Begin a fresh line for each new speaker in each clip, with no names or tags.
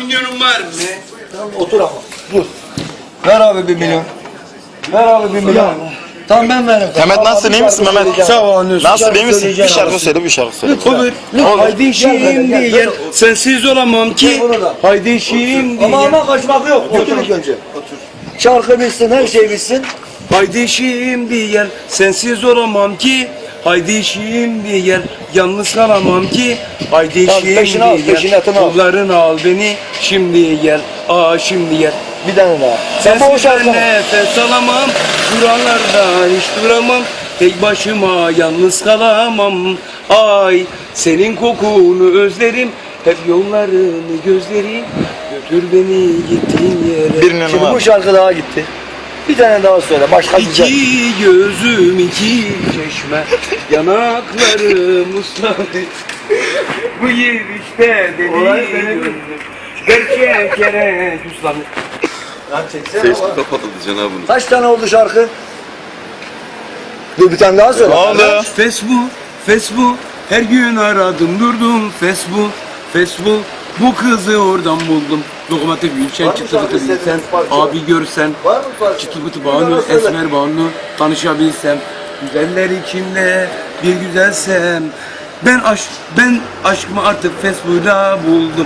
milyonun var mı?
Tamam otur ama. Dur. Ver abi 1 milyon. Ver abi 1 milyon. Tamam ben veririm.
Mehmet nasılsın, iyi misin Mehmet?
Sağ ol.
Nasıl, iyi misin? Bir şarkı söyle, bir şarkı söyle.
Olur. Haydi şimdi gel. Sensiz olamam ki. Haydi şimdi
Ama
gel.
kaçmak yok. Otur ilk önce. Otur. Şarkı bitsin, her şey bitsin.
Haydi şimdi gel. Sensiz olamam ki. Haydi şimdi gel. Yalnız kalamam ki. Haydi
Tamam,
şimdi
peşini al,
gel.
peşinatını al.
Kollarını al beni. Şimdi gel. Şimdi gel.
Bir tane daha. Sen bu
Sensiz
şarkı
ben nefes alamam. Buralarda hiç duramam. Tek başıma yalnız kalamam. Ay senin kokunu özlerim. Hep yollarını gözlerim. Götür beni gittiğin yere.
Bir milyon
Şimdi
var.
bu şarkı daha gitti. Bir tane daha söyle. Başka güzel.
İki gözüm iki çeşme. Yanaklarım ısladı. Bu girişte
Olay
deli
benim.
gönlüm. Gerçek yere ıslandı.
Lan çeksene
Facebook
ama.
kapatıldı cenabını.
Kaç tane oldu şarkı? Dur bir tane daha söyle.
Ne oldu?
Facebook, her gün aradım durdum Facebook, bu kızı oradan buldum. Lokomotif Gülşen,
Var mı
çıtı
şarkı
pıtı bilsen,
istediğiniz parça?
abi görsen,
Var mı parça?
çıtı pıtı
Bir
Banu,
daha söyle.
Esmer Banu, tanışabilsem, güzeller içinde bir güzelsem, ben aşkımı artık Facebook'ta buldum.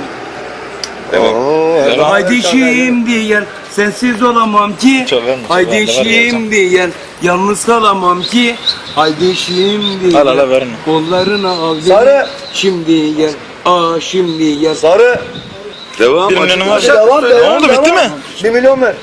Devam.
Haydi şimdi gel, sensiz olamam ki.
Çok vermiş,
Haydi
ben de vereceğim.
şimdi gel, yalnız kalamam ki. Haydi şimdi
Al,
gel,
al, verme.
kollarını al beni.
Sarı.
Şimdi gel, şimdi gel.
Sarı.
Devam.
1 milyonun var.
Devam,
Ne
devam,
oldu, bitti
devam.
mi?
1 milyon ver.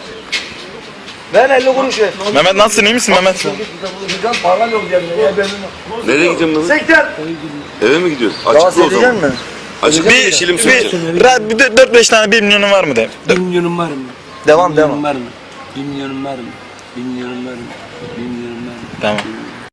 Ver 50 kuruş ver.
Mehmet nasılsın, iyi misin Mehmet?
Gideceğim para yok cebimde ya benim.
Nereye gideceğim lan?
80.
Eve mi gidiyorsun?
Daha
Açıkla o zaman.
söyleyecek mi?
Açıkla
Bir,
yeşilim söyleyeceğim.
bir 4-5 tane 1 milyonun var mı de?
1 milyonum var mı?
Devam,
1 milyonum
devam.
var mı? 1 milyonum var mı? 1 milyonum var mı? 1 milyonum var mı?
Tamam.